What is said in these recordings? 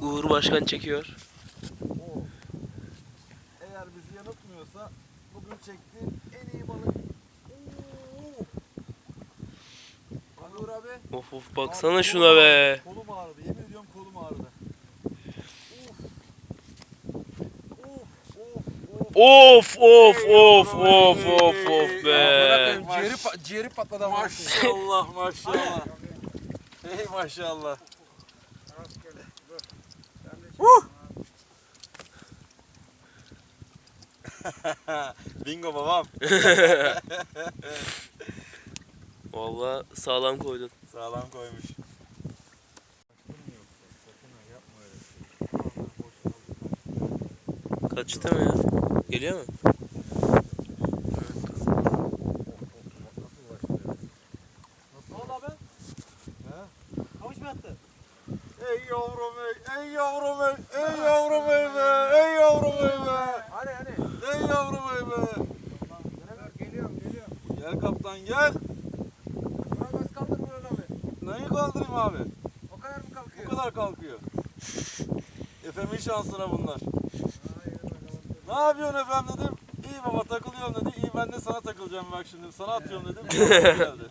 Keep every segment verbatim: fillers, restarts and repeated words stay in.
Uğur Başkan çekiyor. O, eğer bizi yanıltmıyorsa bugün çektiğim en iyi balık. Oo. Uğur abi. Of of baksana şuna be. Kolum ağrıdı. Yemin ediyorum kolum ağrıdı. Of of of of of of be. Ciğeri, pa ciğeri patladı ama. Maşallah maşallah. Hey maşallah. Huh! Bingo babam. Vallahi sağlam koydun. Sağlam koymuş. Kaçtı mı ya? Geliyor mu? Ne oldu abi? He? Kamış mı attı? Ey yavrum ey, ey yavrum ey, ey yavrum ey be, ey yavrum ey be. Hani hani? Ey yavrum ey be. Geliyorum geliyorum. Gel kaptan gel. Bana nasıl kaldır Murat abi? Neyi kaldırayım abi? O kadar mı kalkıyor? Bu kadar kalkıyor. Efe'min şansına bunlar. Ne yapıyorsun efendim dedim. İyi baba takılıyorum dedi. İyi ben de sana takılacağım bak şimdi. Sana atıyorum dedim. Geldi.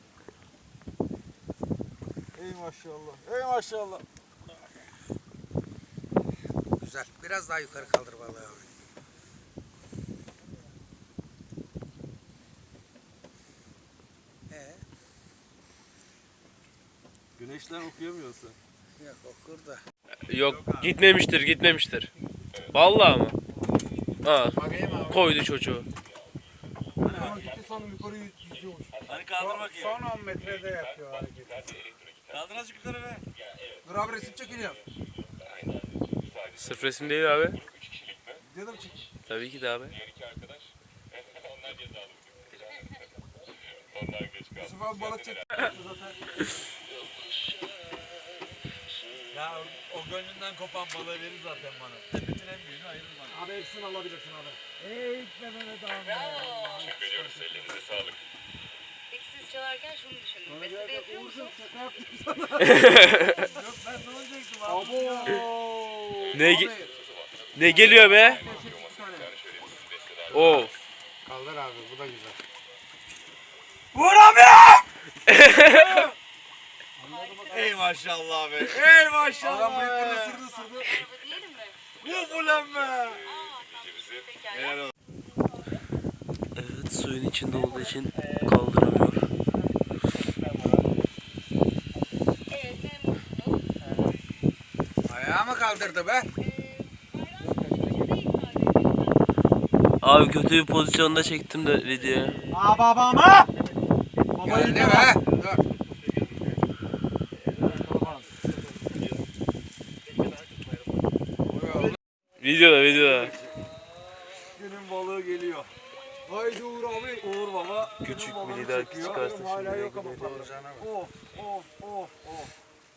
Ey maşallah. Ey maşallah. Güzel. Biraz daha yukarı kaldır vallahi abi. Ee, Güneşten okuyamıyorsun. yok okur da. Yok gitmemiştir gitmemiştir. Vallahi mı? Ha, koydu çocuğu. Hani gitti sandım yukarı yüzüyormuş. Hani kaldır bakayım. Son on metrede yapıyor hareket. Kaldır azıcık yukarı be. Dur abi resim çekiliyor. Sırf resim değil abi. Video da mı çek? Tabii ki de abi. Yusuf abi balık çek. Ya o gönlünden kopan balığı verir zaten bana. Sepetin en büyüğünü ayırır bana. Abi hepsini alabilirsin abi. Ey gitme Mehmet abi. Teşekkür ediyoruz. Elinize sağlık. Peki siz çalarken şunu düşündüm. Beste de yapıyor musun? Şaka yaptım sana. Yok ben ne olacaktım abi. Abo. Ne ge- ne geliyor be? Of. Kaldır abi bu da güzel. Vur abi! Ey maşallah abi. Ey maşallah. Adam bıyıklarını sırdı sırdı. Araba diyelim mi? Vur ulan be. Aa, tamam. Pekala. Evet suyun içinde olduğu için kaldıramıyor. Evet, memnun oldum. Ayağı mı kaldırdı be? Abi kötü bir pozisyonda çektim de videoya. Aa babama. Geldi be. Dur. Videoda videoda. Günün balığı geliyor. Haydi Uğur abi. Uğur baba. Küçük günün balığını bir lider çekiyor. çıkarsa Hala şimdi yok ama. geliyor. Of of of of.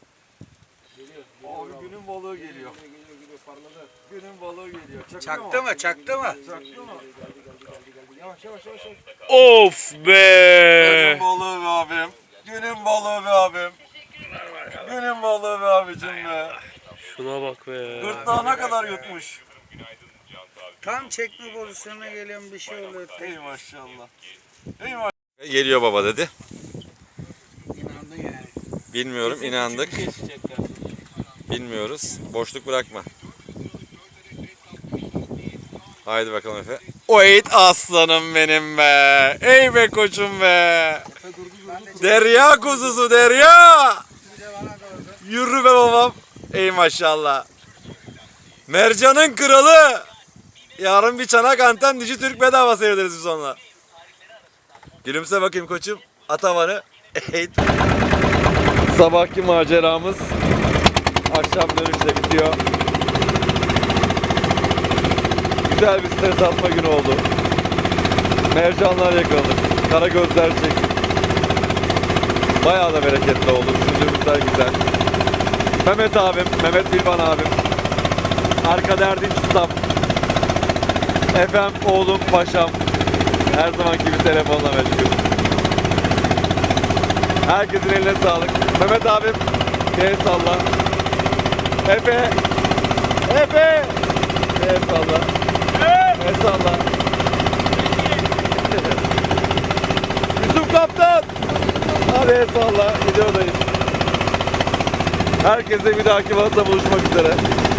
Abi günün balığı geliyor. Günün balığı geliyor. Çaktı, Çaktı mı? Çaktı mı? Çaktı mı? Yavaş yavaş yavaş. yavaş. Of be. Günün balığı be abim. Günün balığı be abim. Günün balığı be abicim be. Şuna bak be. Gırtlağına kadar yutmuş. Tam çekme pozisyonuna geliyorum bir şey oluyor. Ey maşallah. Ey maşallah. Geliyor baba dedi. İnandın yani. Bilmiyorum, inandık. Bilmiyoruz. Boşluk bırakma. Haydi bakalım Efe. Oyt aslanım benim be. Ey be koçum be. Derya kuzusu derya. Yürü be babam. Ey maşallah. Mercan'ın kralı. Yarın bir çanak anten dişi Türk bedava seyrederiz biz onunla. Gülümse bakayım koçum. Atavanı. Sabahki maceramız akşam dönüşte bitiyor. Güzel bir stres atma günü oldu. Mercanlar yakaladık. Karagözler çektik. Bayağı da bereketli oldu. Sürdüğümüzler güzel. Mehmet abim, Mehmet Bilban abim. Arkada Erdinç Ustam. Efem, oğlum, paşam. Her zamanki gibi telefonla meşgul. Herkesin eline sağlık. Mehmet abim, el salla. Efe, Efe. El salla. El salla. Yusuf Kaptan. Hadi el salla. Videodayız. Herkese bir dahaki balıkla buluşmak üzere.